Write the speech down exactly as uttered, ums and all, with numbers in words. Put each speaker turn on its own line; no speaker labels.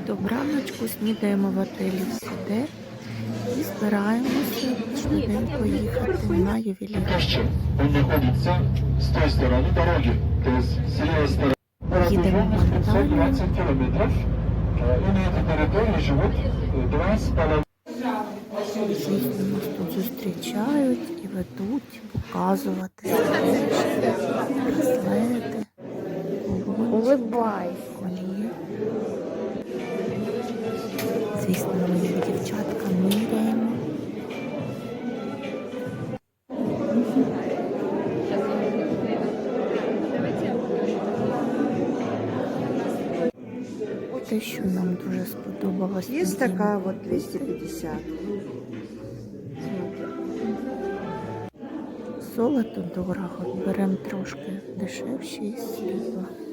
Добраночку, снідаємо в отелі «Сіде» і збираємося швиденько їхати на ювілей.
Он находится с той стороны дороги, то есть с левой стороны.
Їдемо в
семьсот двадцать километров. И на этой территории живут два с половиной.
Звісно, нас тут зустрічають і ведуть показувати браслети,
Улыбайся.
коліє. Звісно, ми дівчатка міряємо. Те, що нам дуже сподобалось.
Есть такая вот двести пятьдесят.
Золото дорого, беремо трошки дешевше і срібло.